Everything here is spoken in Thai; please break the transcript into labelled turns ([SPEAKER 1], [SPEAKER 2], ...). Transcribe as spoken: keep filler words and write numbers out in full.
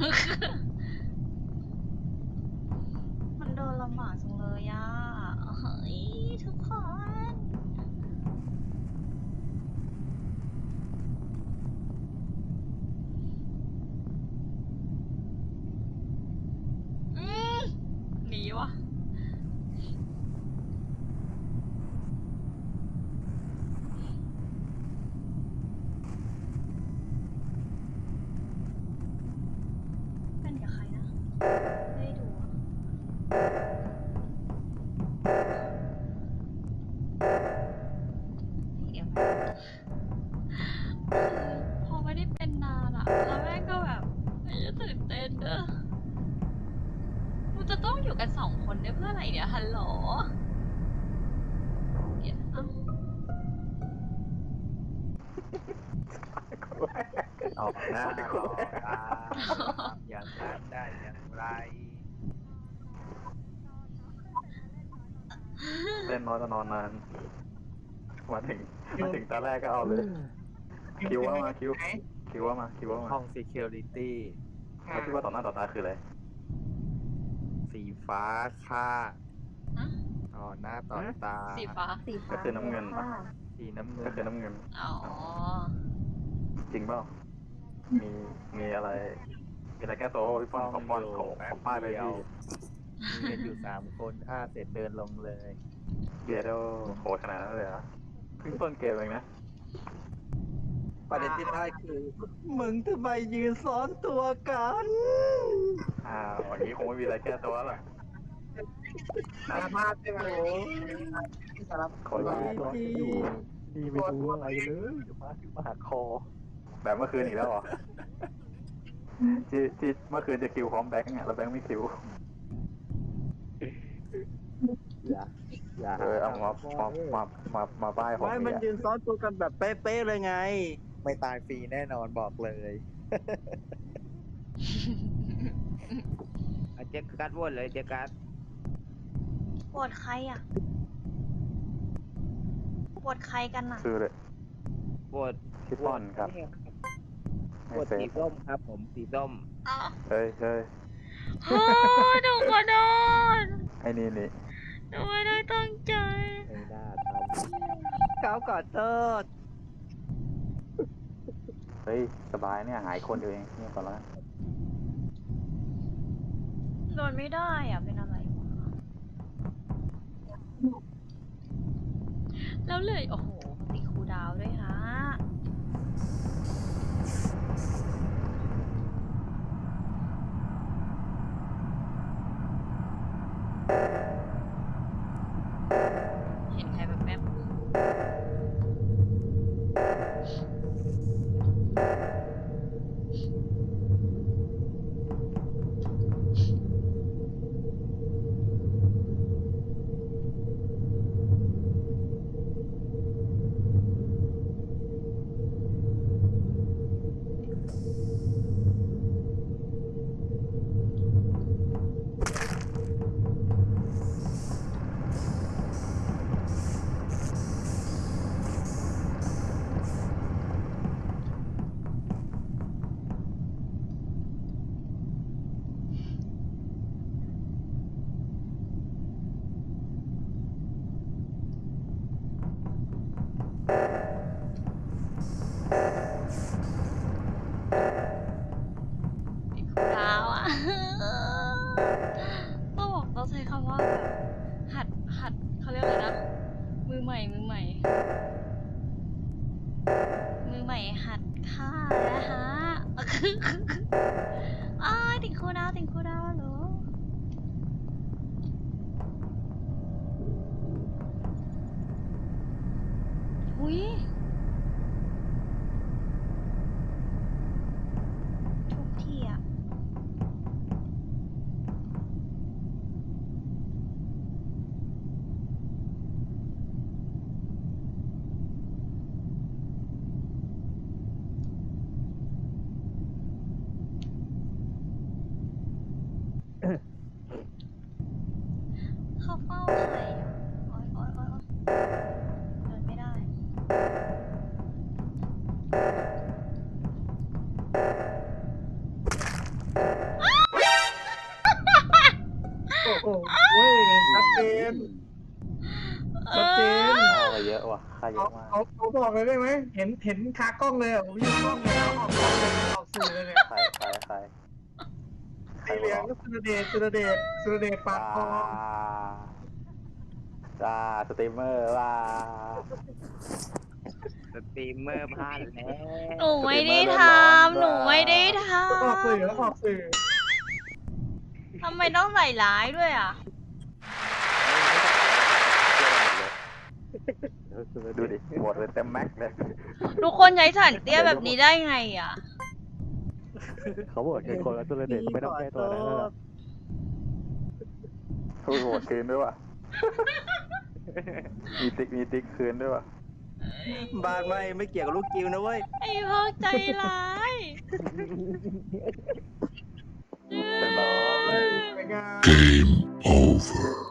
[SPEAKER 1] มันเดินลำบากจังเลยอ่ะเฮ้ยทุกคนอืมหนีวะเป็นกับใครนะไม่ได้ดูอะเอ็มพอไม่ได้เป็นนานอะแล้วแม่ก็แบบไอ้จะตื่นเต้นเด้อกูจะต้องอยู่กันสองคนได้เพื่ออะไรเนี่ยฮัลโหลเดี๋ยวเอ้า
[SPEAKER 2] ออกหน้าหลอกตาทำอย่างนั้นได้อย่างไร
[SPEAKER 3] เล่นน้อยก็นอนนาน มาถึงมาถึงตาแรกก็เอาเลย คิวว่ามาคิวคิวว่ามาคิวว่ามา
[SPEAKER 2] ห้อง security
[SPEAKER 3] แล้วคิดว่าต่อหน้าต่อตาคืออะไร
[SPEAKER 2] สีฟ้าค่า
[SPEAKER 1] ฮะ
[SPEAKER 2] ต่อหน้าต่อตา
[SPEAKER 1] สีฟ้า
[SPEAKER 4] สีฟ้า
[SPEAKER 3] ก็คือน้ำเงินปะ
[SPEAKER 2] สีน้ำเงิ
[SPEAKER 3] ก็
[SPEAKER 2] น
[SPEAKER 3] คือน้ำเงิน
[SPEAKER 1] อ๋อ
[SPEAKER 3] จริงเปล่ามีมีอะไร มีอะไรแก้ตัวพี่ป้อนขอป้อนขอขอป้ายไปพี่
[SPEAKER 2] มีกันอยู่สามคนฆ่าเสร็จเดินลงเลย
[SPEAKER 3] เกียร์โดโหดขนาดนั้นเลยเหรอเพิ่งต้นเกมเองนะ
[SPEAKER 5] ประเด็นที่ได้คือ มึงทำไมยืนซ้อนตัวกัน
[SPEAKER 3] อ้าวอย่างนี้คงไม่มีอะไรแก้ตัวหรอก
[SPEAKER 5] สารภาพใช่ไหมสารภาพ
[SPEAKER 3] คนละ
[SPEAKER 5] ที่
[SPEAKER 3] ดีไม่รู้อะไรเลยมาถึงมาหักคอ แบบเมื่อคืนอีกแล้วเหรอ ที่ที่เมื่อคืนจะคิวพร้อมแบงค์อ่ะแล้วแบงค์ไม่คิว
[SPEAKER 2] อย่าอย่า
[SPEAKER 3] เออเอามามามามามาป้ายผม
[SPEAKER 5] ไม่มัน
[SPEAKER 3] เนี่ย
[SPEAKER 5] ยืนซ้อนตัวกันแบบเป๊ะๆเลยไง
[SPEAKER 2] ไม่ตายฟรีแน่นอนบอกเลย
[SPEAKER 6] เจ๊กัดวนเลยเจ๊กัด
[SPEAKER 1] ปวดใครอ่ะปวดใครกันน่ะ
[SPEAKER 3] คือเลย
[SPEAKER 6] ปวด
[SPEAKER 3] พี่ป้อนครับ
[SPEAKER 6] ป
[SPEAKER 3] ไม่
[SPEAKER 6] วด
[SPEAKER 3] เซ
[SPEAKER 6] สี
[SPEAKER 3] ฟ
[SPEAKER 6] ส้มครับผมสีส้ม
[SPEAKER 1] อ้าว
[SPEAKER 3] เฮ้ยเฮ้ย
[SPEAKER 1] โอ้ยหนูขอโทษ
[SPEAKER 3] ไอ้นี่นี่
[SPEAKER 1] หนูไม่ได้ตั้งใจ
[SPEAKER 2] ไม่น่าท
[SPEAKER 5] เก้าก่อนเติร์ด
[SPEAKER 3] เฮ้ยสบายเนี่ยหายคนเดียวเองเนี่ยก่อนละ
[SPEAKER 1] โดนไม่ได้อ่ะ เป็นอะไรวะแล้วเลย โอ้โหติดครูดาวด้วยฮะ เห็นใครแบบแป๊บติดครูดาวอ่ะ ต้องบอกต้องใช้คำว่าแบบหัดหัดเขาเรียกอะไรนะ มือใหม่ มือใหม่ มือใหม่หัดฆ่านะฮะ อ้ายติดครูดาวติดครูดาวเหรออุ้ยทุกทีอะ
[SPEAKER 3] เย
[SPEAKER 5] เขา
[SPEAKER 3] อะมาก
[SPEAKER 5] เขาเขาบอกเลยได้ไหมเห็นเห็นคากล้องเลยอะผมอยู่กล้องเนี่ยเขาออกกล้องเลยออกสื่อเลยเนี่ย
[SPEAKER 3] ใครใครใครใคร
[SPEAKER 5] สีเหลืองก็สุรเดชสุรเดชสุรเดชปา
[SPEAKER 3] จ้าก
[SPEAKER 5] คอ
[SPEAKER 3] จ้าสตรีมเมอร์ว่า
[SPEAKER 6] สตรีมเมอร์พลาดแล้ว
[SPEAKER 1] หนูไม่ได้ทำหนูไม่ได้ท
[SPEAKER 5] ออกสื่อแล้วออกสื่อ
[SPEAKER 1] ำทำไมต้องใส่ร้ายด้วยอ่ะ
[SPEAKER 3] ดูดิโหวตเลยเต็มแม็กซ์เลย
[SPEAKER 1] ทุกคนใช้สันเตี้ยแบบนี้ได้ไงอ่ะ
[SPEAKER 4] เขาบอกเป็นคนละตัวเด็กไม่ต้องแก้ตัวอะไรแล้วล่ะ
[SPEAKER 3] ทูโหวตคืนด้วยว่ะมีติ๊กมีติ๊กคืนด้วยว่ะ
[SPEAKER 5] บ้านไม่ไม่เกี่ยวกับลูกกิวนะเว้ย
[SPEAKER 1] ไอ้พวกใจร้าย
[SPEAKER 3] เป็นร้อย
[SPEAKER 5] เป็นไง
[SPEAKER 7] Game over.